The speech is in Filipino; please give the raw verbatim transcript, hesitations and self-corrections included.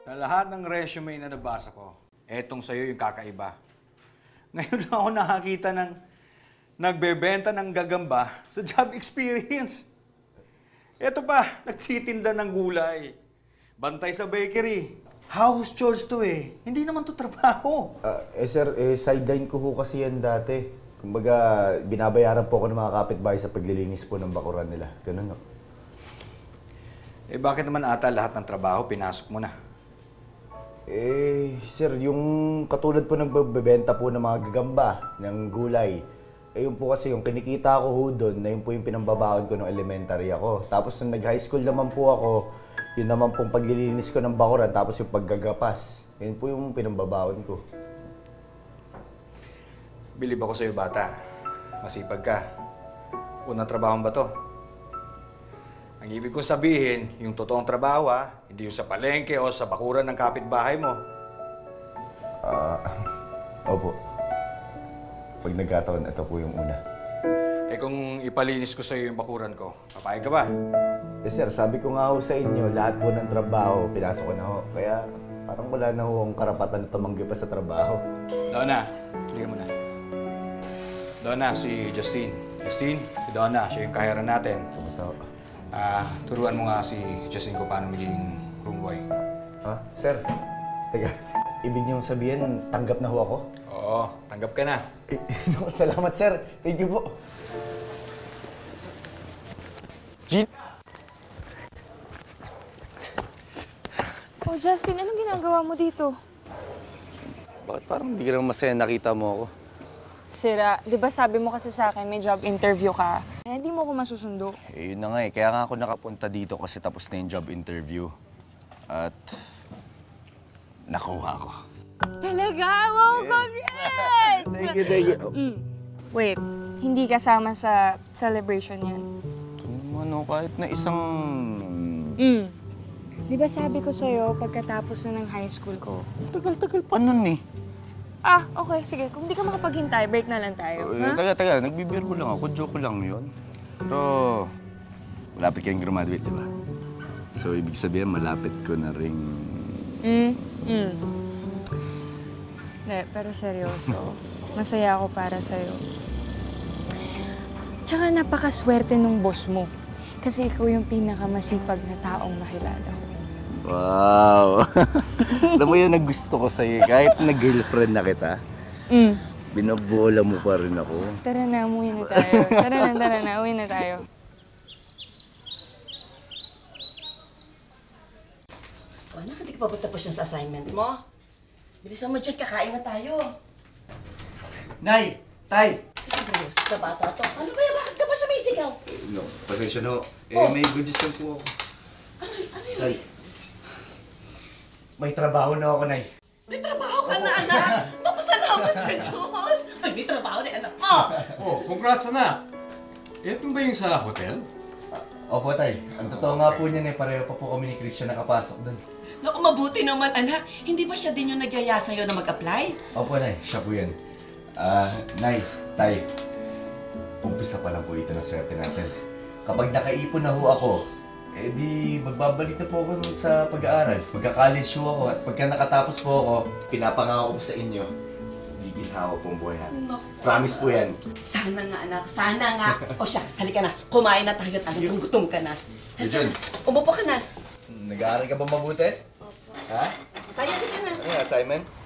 Sa lahat ng resume na nabasa ko, etong sa'yo yung kakaiba. Ngayon lang ako nakakita ng nagbebenta ng gagamba sa job experience. Eto pa, nagtitinda ng gulay. Bantay sa bakery. House chores to eh. Hindi naman to trabaho. Uh, eh sir, eh, sideline ko ho kasi yan dati. Kumbaga, binabayaran po ako ng mga kapitbahay sa paglilinis po ng bakuran nila. Ganun no? Eh bakit naman ata lahat ng trabaho pinasok mo na? Eh, sir, yung katulad po nagbebenta po ng mga gagamba, ng gulay, eh yun po kasi yung kinikita ko ho doon, na yun po yung pinambabaon ko nung elementary ako. Tapos nung nag-high school naman po ako, yun naman pong paglilinis ko ng bakuran, tapos yung paggagapas. Yun po yung pinambabaon ko. Bilib ako sa'yo, bata. Masipag ka. Unang trabaho ba to? Ang ibig kong sabihin, yung totoong trabaho ha, hindi yung sa palengke o sa bakuran ng kapitbahay mo. Ah, uh, opo. Pag nagkataon, ito po yung una. Eh kung ipalinis ko sa'yo yung bakuran ko, papayag ka ba? Eh sir, sabi ko nga ho sa inyo, lahat po ng trabaho, pinasok ko na ho. Kaya parang wala na ho ang karapatan na tumanggi pa sa trabaho. Donna, hindi ka muna. Donna, si Justine. Justine, si Donna, siya yung kahiran natin. Kamusta ho? Ah, turuan mo nga si Justine kung paano maging room boy. Ha? Sir, teka, ibig niyong sabihin, tanggap na ho ako? Oo, tanggap ka na. Eh, salamat sir, thank you po. Jean? Oh, Justin, anong ginagawa mo dito? Bakit parang hindi ka naman masaya nakita mo ako? Sira, di ba sabi mo kasi sa akin may job interview ka? Eh, hindi mo ako masusundo. Eh, yun na nga eh. Kaya nga ako nakapunta dito kasi tapos na yung job interview. At nakuha ko. Talaga? Wow, Yes. congrats! Thank you, thank you. Mm. Wait, hindi kasama sa celebration yan. Ano, kahit na isang... Mm. Di ba sabi ko sa'yo pagkatapos na ng high school ko? Tagal-tagal pa nun eh. Ah, okay, sige. Kung di ka makapaghintay, break na lang tayo. Eh, ha? taga, taga. Nagbibiro lang ako. Joke lang yun. Pero, malapit kayong graduate, di ba? So, ibig sabihin, malapit ko na ring... Mm, mm. Hindi, pero seryoso. Masaya ako para sa'yo. Tsaka napakaswerte nung boss mo. Kasi ikaw yung pinakamasipag na taong nakilala ko. Wow! Alam mo yun, nagusto ko sa'yo. Kahit na-girlfriend na kita, Mm. binabola mo pa rin ako. Tara na, umuwi na tayo. Tara na, tara na, uwi na tayo. O anak, hindi ka pa ba tapos yung sa assignment mo? Bilisan mo dyan, kakain na tayo. Nay! Tay! Seryoso ka bata to. Ano ba yan? Bakit ka ba sumisigaw? No, pasensya no. Eh, Oh. may good news lang po ako. Ano, ano yun? Tay, may trabaho na ako, Nay. May trabaho ka na, anak! Napasalamat sa Diyos! Ay, may trabaho na, anak mo! Oh, congrats anak! Ito ba yung sa hotel? Opo, Tay. Ang totoo nga po niyan eh, pareho pa po kami ni Christian nakapasok doon. Naku, mabuti naman, anak. Hindi ba siya din yung nagyaya sa'yo na mag-apply? Opo, Nay. Siya po yan. Ah, Nay, Tay. Umpisa pa lang po ito ng swerte natin. Kapag nakaipon na ho ako, eh di magbabalik na po ako sa pag-aaral. Magka-college ho ako at pagka nakatapos po ako, pinapangako ko sa inyo, giginhawa po ang buhay natin. Naku. Promise po yan. Sana nga, anak. Sana nga. O siya, halika na. Kumain na tayo at alam kong gutom ka na. Diyon, Umupo ka na. nag-aaral ka ba mabuti? Opo. Ha? Tayo, halika na. Ano yung assignment?